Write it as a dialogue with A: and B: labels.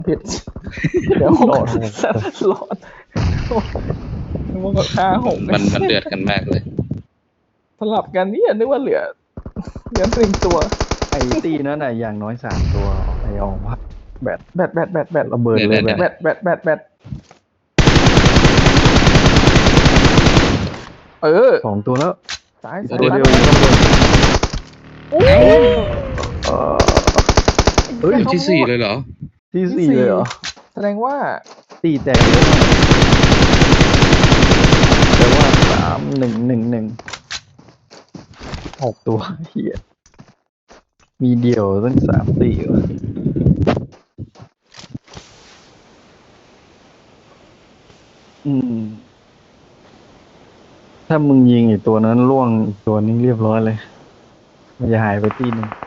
A: ผิดเดี๋ยว
B: โหลด
A: โหลดนึกว่าก็ฆ่าหก
C: มันเดือดกันมากเลย
A: สลับกันเนี่ยนึกว่าเหลือหนึ่งตัว
B: ไอ้ตีนั่นน่ะอย่างน้อย3 ตัวไอ้ออกมาแบต
A: แบต
B: ระเบิดเลย
C: เนี่ย
B: แบต
A: แบต
B: 2 ตัวแล้ว
A: ซ้าย
B: อีก
A: ซ้าย
B: ตัวเดียว
A: ซ้าย
B: ข้างบน
A: โอ้ย
B: เออ เฮ้ย
C: ที่สี่เลยเหรอ
B: ที่ 4เลยเหรอ
A: แสดงว่า
B: ตีแตกเยอะมากแต่ว่า3-1-1-1 6 ตัวเฮียมีเดี่ยวตั้ง3-4วะถ้ามึงยิงอีกตัวนั้นล่วงอีกตัวนี้เรียบร้อยเลย มันจะหายไปตีหนึ่ง